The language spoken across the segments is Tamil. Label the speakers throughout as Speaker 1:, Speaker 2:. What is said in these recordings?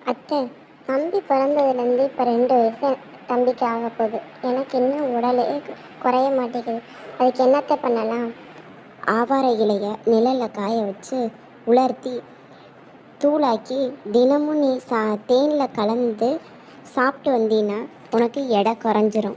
Speaker 1: அத்தை, தம்பி பிறந்ததுலேருந்து இப்போ 2 வயசு தம்பிக்கு ஆக போகுது. எனக்கு இன்னும் உடலே குறைய மாட்டேங்குது. அதுக்கு என்னத்தை பண்ணலாம்? ஆவார இலைய நிழலில் காய வச்சு உலர்த்தி தூளாக்கி தினமும் நீ தேனில் கலந்து சாப்பிட்டு வந்தீன்னா உனக்கு எடை குறைஞ்சிரும்.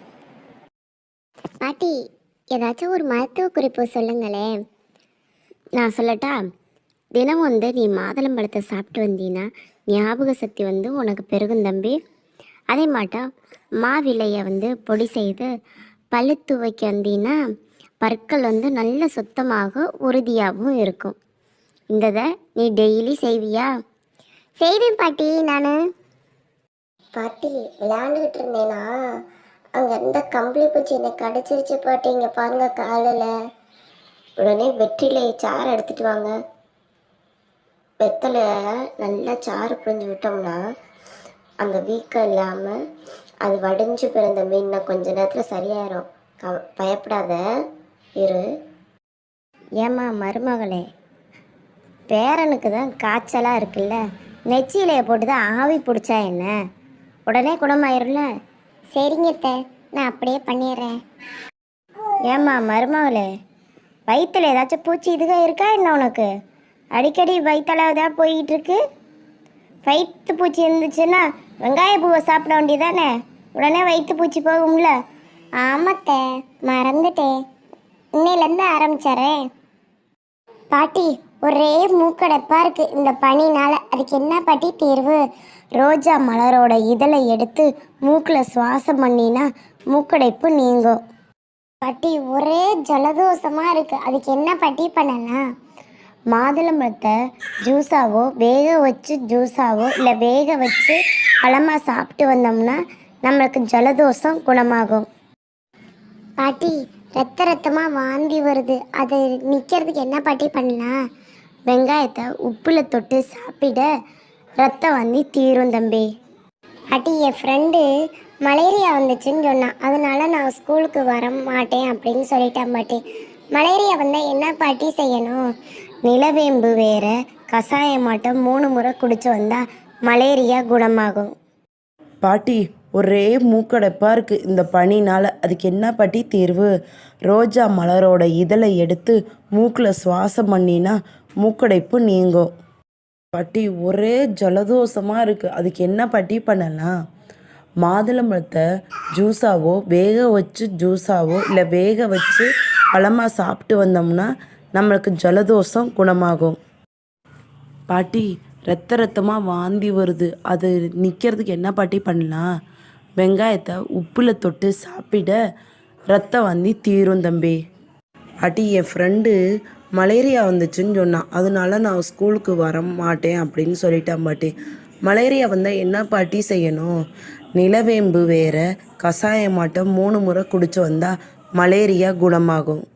Speaker 1: பாட்டி, ஏதாச்சும் ஒரு மருத்துவ குறிப்பு சொல்லுங்களேன். நான் சொல்லட்டா? தினம் நீ மாதுளம்பழத்தை சாப்பிட்டு வந்தீன்னா ஞாபக சக்தி உனக்கு பெருகும் தம்பி. அதே மாட்டா மாவிலையை பொடி செய்து பல்லு துவைக்க வந்தீங்கன்னா பற்கள் நல்ல சுத்தமாக உறுதியாகவும் இருக்கும். இந்ததை நீ டெய்லி செய்வியா? செய்வேன் பாட்டி. நான் பாட்டி விளையாண்டுக்கிட்டு இருந்தேனா, அங்கே இருந்த கம்பளி பூச்சி என்னை கடிச்சிருச்சு பாட்டி. இங்கே பாருங்க காலில். உடனே வெற்றிலை சாறு எடுத்துட்டு வாங்க. வெத்தலை நல்லா சாறு புழிஞ்சு விட்டோம்னா அந்த வீக்கம் இல்லாமல் அது வடிஞ்சு பிறந்த மீன் கொஞ்ச நேரத்தில் சரியாயிரும். பயப்படாத இரு. ஏம்மா மருமகளே, பேரனுக்கு தான் காய்ச்சலாக இருக்குல்ல, நெச்சியிலையை போட்டு தான் ஆவி பிடிச்சா என்ன, உடனே குணமாயிரும்ல. சரிங்க அத்தை, நான் அப்படியே பண்ணிடுறேன். ஏம்மா மருமகளே, வயிற்றுல ஏதாச்சும் பூச்சி இதுக இருக்கா என்ன உனக்கு? அடிக்கடி வயிற்றளவு தான் போய்கிட்டு இருக்கு. வயிற்று பூச்சி இருந்துச்சுன்னா வெங்காய பூவை சாப்பிட வேண்டியதானே, உடனே வயிற்று பூச்சி போகும்ல. ஆமாத்தே, மறந்துட்டேன். இன்னையிலேருந்து ஆரம்பிச்சாரேன். பாட்டி, ஒரே மூக்கடைப்பாக இருக்குது இந்த பனினால். அதுக்கு என்ன பாட்டி தீர்வு? ரோஜா மலரோட இதழை எடுத்து மூக்கில் சுவாசம் பண்ணினா மூக்கடைப்பு நீங்கும். பாட்டி, ஒரே ஜலதோஷமாக இருக்குது. அதுக்கு என்ன பாட்டி பண்ணலாம்? மாதுளம்பழத்தை ஜூஸாவோ வேக வச்சு ஜூஸாவோ இல்லை வேக வச்சு பழமாக சாப்பிட்டு வந்தோம்னா நம்மளுக்கு ஜலதோஷம் குணமாகும். பாட்டி, ரத்தமாக வாந்தி வருது. அது நிற்கிறதுக்கு என்ன பாட்டி பண்ணலாம்? வெங்காயத்தை உப்பில் தொட்டு சாப்பிட ரத்த வாந்தி தீரும் தம்பி. பாட்டி, என் ஃப்ரெண்டு மலேரியா வந்துச்சுன்னு சொன்னான். அதனால நான் ஸ்கூலுக்கு வர மாட்டேன் அப்படின்னு சொல்லிட்டேன் பாட்டி. மலேரியா வந்தால் என்ன பாட்டி செய்யணும்? நிலவேம்பு வேற கஷாயமாட்டம் 3 முறை குடிச்சு வந்தால் மலேரியா குணமாகும்.
Speaker 2: பாட்டி, ஒரே மூக்கடைப்பாக இருக்குது இந்த பனினால். அதுக்கு என்ன பாட்டி தீர்வு? ரோஜா மலரோட இதழை எடுத்து மூக்கில் சுவாசம் பண்ணினா மூக்கடைப்பு நீங்கும். பாட்டி, ஒரே ஜலதோஷமாக இருக்குது. அதுக்கு என்ன பாட்டி பண்ணலாம்? மாதுளம்பழத்தை ஜூஸாவோ வேக வச்சு ஜூஸாவோ இல்லை வேக வச்சு பழமாக சாப்பிட்டு வந்தோம்னா நம்மளுக்கு ஜலதோஷம் குணமாகும். பாட்டி, ரத்தமாக வாந்தி வருது. அது நிற்கிறதுக்கு என்ன பாட்டி பண்ணலாம்? வெங்காயத்தை உப்பில் தொட்டு சாப்பிட ரத்த வாந்தி தீரும் தம்பி. பாட்டி, என் ஃப்ரெண்டு மலேரியா வந்துச்சுன்னு சொன்னான். அதனால நான் ஸ்கூலுக்கு வர மாட்டேன் அப்படின்னு சொல்லிட்டேன் பாட்டி. மலேரியா வந்தால் என்ன பாட்டி செய்யணும்? நிலவேம்பு வேற கஷாயமாட்டம் 3 முறை குடிச்சு வந்தால் மலேரியா குணமாகும்.